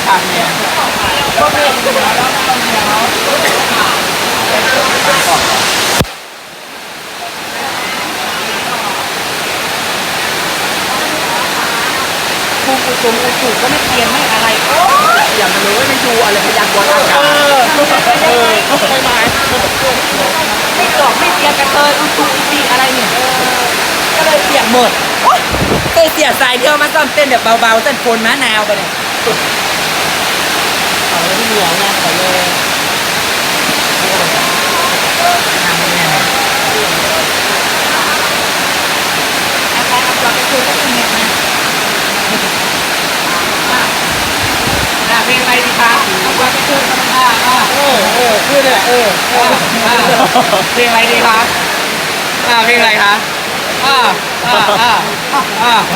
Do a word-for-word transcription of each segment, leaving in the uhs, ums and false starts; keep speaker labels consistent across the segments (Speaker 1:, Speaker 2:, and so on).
Speaker 1: ทางเนี่ยก็เรียนเหนือแล้วก็เหนือภูมิอุตุอุตุก็ไม่เปลี่ยนไม่อะไรโอ้ยอย่างมันเลยไม่ดูอะไรพยากรณ์อากาศเออไม่หมายไม่ตอบไม่เปลี่ยนกันเลยอุตุอุติอะไรเนี่ยก็เลยเปลี่ยนหมดเคยเสียสายเดียวมาซ้อมเต้นแบบเบาๆเต้นฝนมะนาวไปเนี่ยเอาเลยเหนียวนะขอเลยทำยังไงอาจารย์เอาตัวไปคุยกับคุณเนี่ยนะอ่าเพลงอะไรดีคะเอาตัวไปคุยกับมันอ่าอ่าเออเออคือเนี่ยเออเออเพลงอะไรดีคะอ่าเพลงอะไรคะอ่าอ่าอ่าอ่า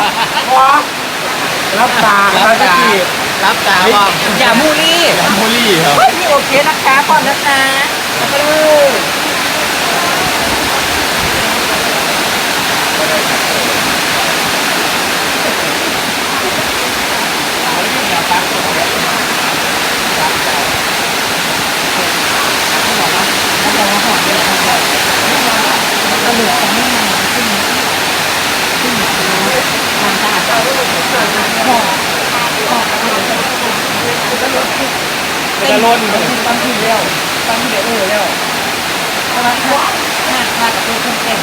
Speaker 1: รับตารับตารับตาบอกอย่ามูลี่อย่ามูลี่ครับเฮ้ยนี่โอเคนะคะก่อนนะคะแล้วก็เลยตลกจะไม่มาขึ้นขึ้นทางตาหอกหอกจะลดจะลดบางทีเร็วบางทีเดี๋ยวเออเร็วเพราะว่าถ้าถ้ากับตัวเครื่องเต้น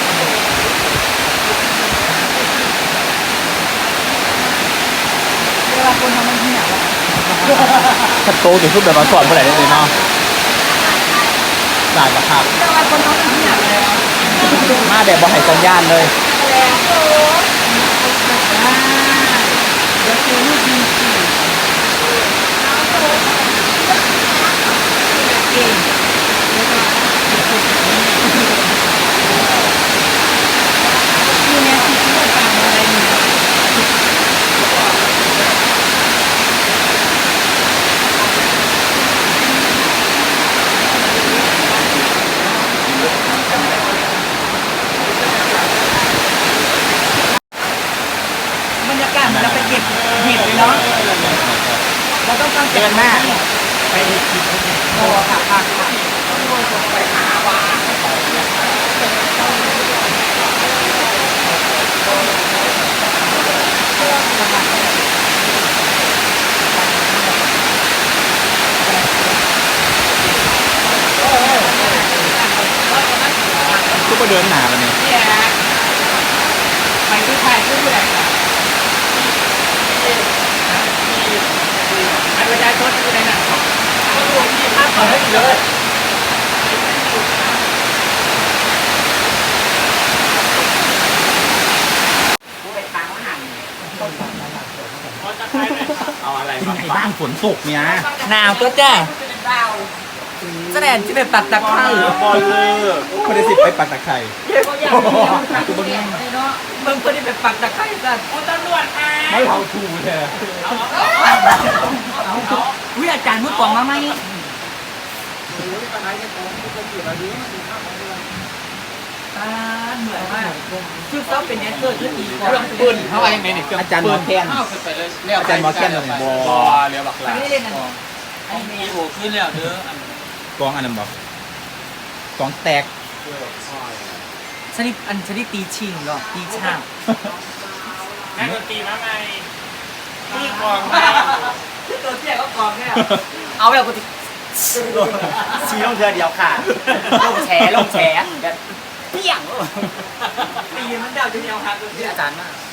Speaker 1: เวลาคนทำมันเหี้ยว่ะถ้าโตถึงรูปแบบมาสอนเมื่อไหร่ได้เลยเนาะสายมาครับเวลาคนทำมันเหี้ยเลยมาแบบบอให้สัญญาณเลยเดี๋ยวคือลูกดีสิเก่งคือแม่ที่ที่เราทำอะไรเนี่ยบรรยากาศเราไปเก็บเห็ดเลยเนาะเราต้องต้องเก็บมากไปเห็ดกินโอ้ค่ะค่ะไปหาว่าทุกคนเดินหนาแล้วเนี่ยไปทุกไทยทุกแหล่งอันประชาชนอยู่ในนั้นรวมที่ภาพเขาให้เลยเอาอะไรมาบ้านฝนตกเนี่ยหนาวตัวจ้าแสดงที่เป็นปักตะไคร้บอลเลยคนได้สิไปปักตะไคร้คือมึงมึงคนที่เป็นปักตะไคร้กันโอ้ตำรวจอ่ะไม่เอาถูกเลยวิอาจารย์มือกล่องมาไหมเหนื่อยมากชุดซ้อมเป็นแดนเซอร์ชุดอีกเครื่องปืนเขาอะไรอย่างไรเนี่ยอาจารย์หมอแคนอาจารย์หมอแคนเลยบอเรียกบักลาไม่ได้เล่นอะไรอันนี้โอ้ขึ้นแล้วเด้อกองอันนั้นบอกกองแตกชนิดอันชนิดตีชิงหรอตีช่างนั่นดนตรีมาไงตีกองมาตัวเตี้ยก็กองแค่เอาแบบกูตีชี้ลงเธอเดียวค่ะลงแฉลงแฉแบบเปี้ยงตีมันเดาจะเดียวค่ะตัวที่อาจารย์มาก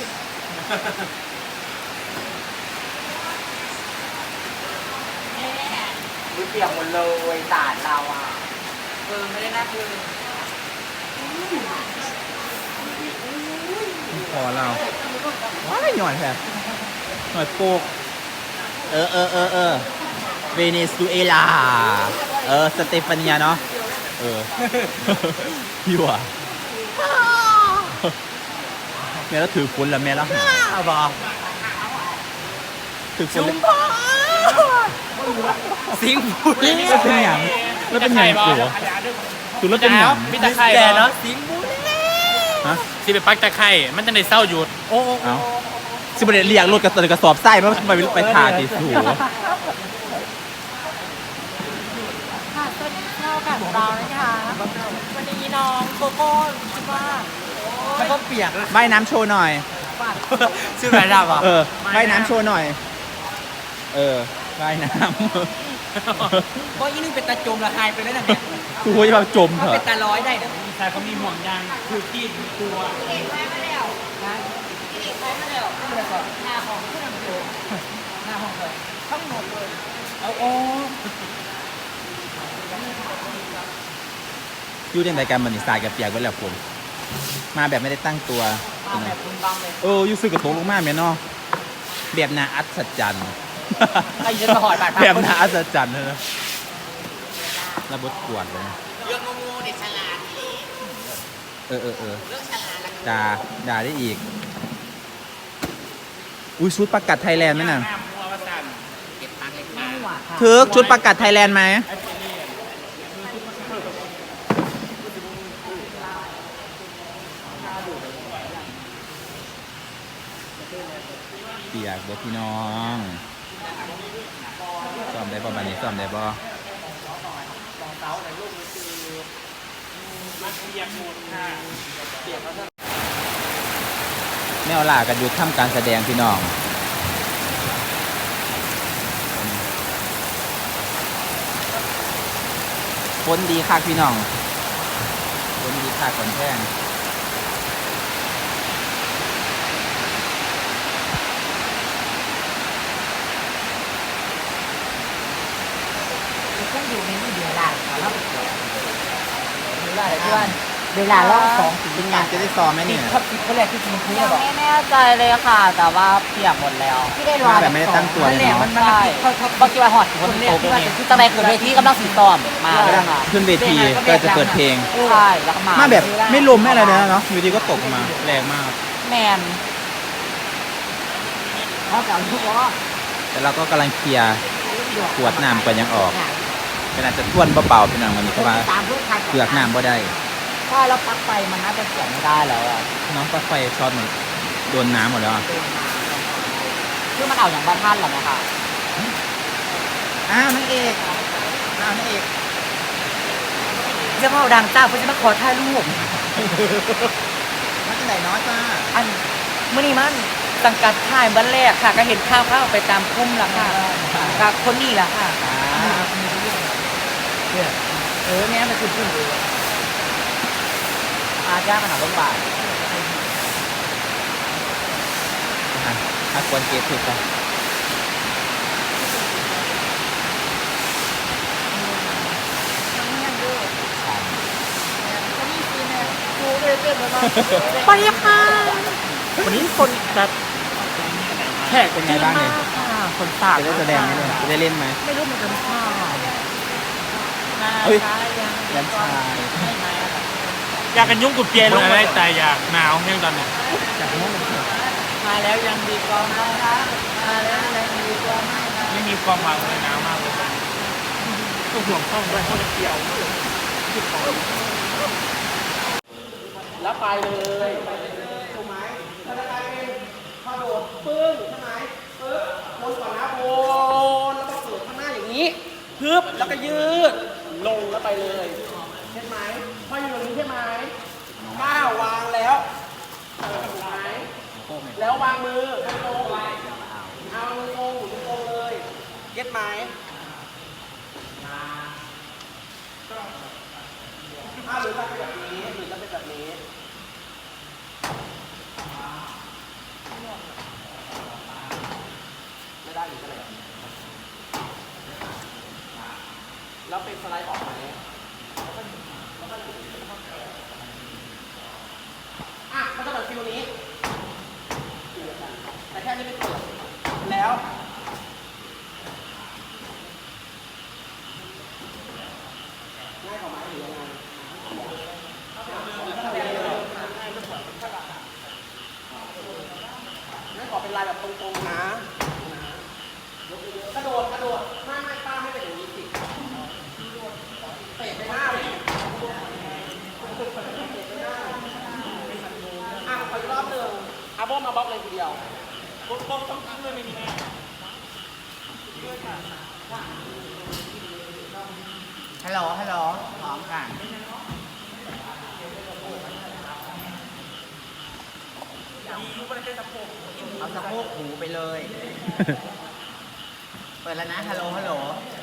Speaker 1: ดูเปียกหมดเลยตาดเราอ่ะเออไม่ได้น่าคือพอเราว้ายหน่อยแค่หน่อยโป๊กเออเออเออเออเวเนซุเอลาเออสเตฟานีเนาะเออพี่ว่ะแม่แล้วถือฝนแล้วแม่แล้วอ้าวบอถือฝนสิงบุรีแล้วเป็นอย่างแล้วเป็นอย่างกูคือแล้วเป็นอย่างมีตะไคร่เนาะสิงบุรีฮะสิไปปักตะไคร่มันจะในเศร้าหยุดโอ้โอ้
Speaker 2: สิบเอ็ดเรียงรถกระสอบกระสอบไส้มาไปไปถ่ายติดสู
Speaker 3: ค่ะสวัสดีเช้ากับเรานะคะวันนี้น้องโกโก้คิดว่าแล้วก็เปียกนะ
Speaker 2: ว่ายน้ำโชว์หน่อย
Speaker 3: ชื่ออะไรดับอ่ะ
Speaker 2: เออว่ายน้ำโชว์หน่อย เออว่ายน้
Speaker 1: เพราะอีนึงเป็นตาจมละหายไปแล้วนะแม่
Speaker 2: ำคือว่าจะมาจม
Speaker 1: ถ้า
Speaker 2: เถ
Speaker 1: เป็
Speaker 2: อะ
Speaker 1: นตาร้อยได้เนี่ย
Speaker 3: ชายเขามีห่วงยางคือที่ตัว
Speaker 1: หน้าของผู้นำโชว์หน้าห้องเลยทั้งหมดเลยเอาโอ้
Speaker 2: อยู่ในรายการบันทึกสายกับเปียกไว้แล้วผมมาแบบไม่ได้ตั้งตัว
Speaker 1: มาแบบคุณบังเลย
Speaker 2: เอออยู่ซื้อกระโถงลงมาแม่เนาะแบบนาอัศจรรย์
Speaker 1: ไอ้ยันมาหอยบาด
Speaker 2: แบบนาอัศจรรย์เลยนะระบบกวดเลย
Speaker 1: เรื่องงูเด็กฉลาด
Speaker 2: เออเออเออ
Speaker 1: เรื่องฉลาด
Speaker 2: ด่าด่าได้อีก อุ้ยชุดประกาศไทยแลนด์ไหมน่ะ
Speaker 1: เก็บตังค์เล็กน้อย
Speaker 2: เทิร์กชุดประกาศไทยแลนด์ไหมเปียกเด้อพี่น้องซ้อมได้ป่ะบันนี้ซ้อมได้ป่ะแมวล่ากันหยุดทำการแสดงพี่น้องฝนดีคักพี่น้องฝนดีคักก่อนแท่ง
Speaker 1: เครื่องอยู่ในนี่เดียวได้แล้วเวลาเพื่อนเวลาล่องสองถึง
Speaker 2: เป็นงานจะได้ซ้อมไหมเนี่ย
Speaker 1: ครับติดเขาแรกที่กินคุย
Speaker 3: ยัง
Speaker 1: บอก
Speaker 3: ไม่แน่ใจเลยค่ะ แต่ว่าเปียกหมดแล้ว
Speaker 1: ที่ได้รอ
Speaker 2: มาแบบไม่ได้ตั้งตัวเลยเนาะ
Speaker 1: มัน
Speaker 3: ใช่บางทีว่าหอดคนโตเป็นคือตั้งแต่เกิดเวทีกำลังสีตอมมาเลยค่ะ
Speaker 2: ขึ้นเวทีก็จะเปิดเพลง
Speaker 3: ใช่แล้วก็มา
Speaker 2: มาแบบไม่ลมไม่อะไรเลยนะเนาะอยู่ดีก็ตกมาแรงมาก
Speaker 3: แมน
Speaker 1: เขาจะเอาทุกล้อ
Speaker 2: แต่เราก็กำลังเคลียร์ขวดน้ำก่อนยังออกขนาดจะท่วนเบาๆพี่น้องมันนี้เพราะว่า
Speaker 1: ตามเพื่อนใคร
Speaker 2: เปลือกน้ำบ่ได้
Speaker 3: ใช่แล้วปลั๊กไฟมันน่าจะเสียบไม่ได้แล้วอ่ะ
Speaker 2: น้องปลั๊กไฟช็อตหมดโดนน้ำหมดแล้วอะ
Speaker 3: คือมันเอาอย่างบ้านท่านหรอนะคะ
Speaker 2: อ้าวนางเอกอ้าวนางเอก
Speaker 3: จะมาเอาดังจ้าเพื่อจะมาขอถ่ายรูป
Speaker 2: มาที่ไหนน้อยจ้า
Speaker 3: อันมื่อนี้มันสังกัดถ่ายวันแรกค่ะ ก็เห็นข้าวข้าวไปตามพุ่มแล้วค่ะกับคนนี้แหละค่ะ
Speaker 1: เออเนี่ยมันคือผู้ดู
Speaker 3: อาจ้างขนาดรถบาท
Speaker 2: อ่ะถ้าควรเก็บถูกต้อง
Speaker 3: ไปค่ะวันนี้คนแบบแขก
Speaker 2: เป็นไงบ้างเนี่ย
Speaker 3: คนสาด
Speaker 2: จะได้แสดงไหมเนี่ยจะได้เล่นไหม
Speaker 3: ไม่รู้เหมือนกันค่ะ
Speaker 2: เฮ้ยแลนชาย
Speaker 4: อยากกันยุ่งกับเปียลงมาได้แต่อยากหนาวแห้งตอนนี้
Speaker 3: มาแล้วยังดีกว่าไม่รักมาแล้วยังดีกว่าไม่รัก
Speaker 4: ไม่มีความหวังเลยหนาวมากเลยต้องห่วงต้องด้วยเขาจะเกี่ยว
Speaker 1: แล้วไปเลยถูกไหมถ้าจะได้พอโดดปึ้งใช่ไหมปึ๊บวนก่อนนะวนแล้วก็เปิดข้างหน้าอย่างนี้ปึ๊บแล้วก็ยืดลงแล้วไปเลยใช่ไหมพออยู่ตรงนี้ใช่ไหมก้าววางแล้วถูกไหมแล้ววางมือตรงเอามือตรงตรงเลยเย็ดไหมถ้าหรือจะเป็นแบบนี้หรือจะเป็นแบบนี้ไม่ได้หรือจะอะไรแล้วเป็นสไลด์ออกไหมอ่ะมันจะแบบฟิลนี้แต่แค่นี้ไม่เปิดแล้วง่ายกว่าไหมหรือยังไงงั้นขอเป็นลายแบบตรงๆนะกระโดดกระโดดไม่ไม่ป้าไม่เป็นอย่างนี้สิเตะไปหน้าเลยอ่ะขออีกรอบหนึ่งอาโบมาบล็อกเลยทีเดียว
Speaker 4: โก้โก้ต้องกินเลยไหมนี่แม่ด้วยค่ะ
Speaker 1: ฮัลโหลฮัลโหลพร้อมค่ะเอาสะโพกหูไปเลย เปิดแล้วนะฮัลโหลฮัลโหล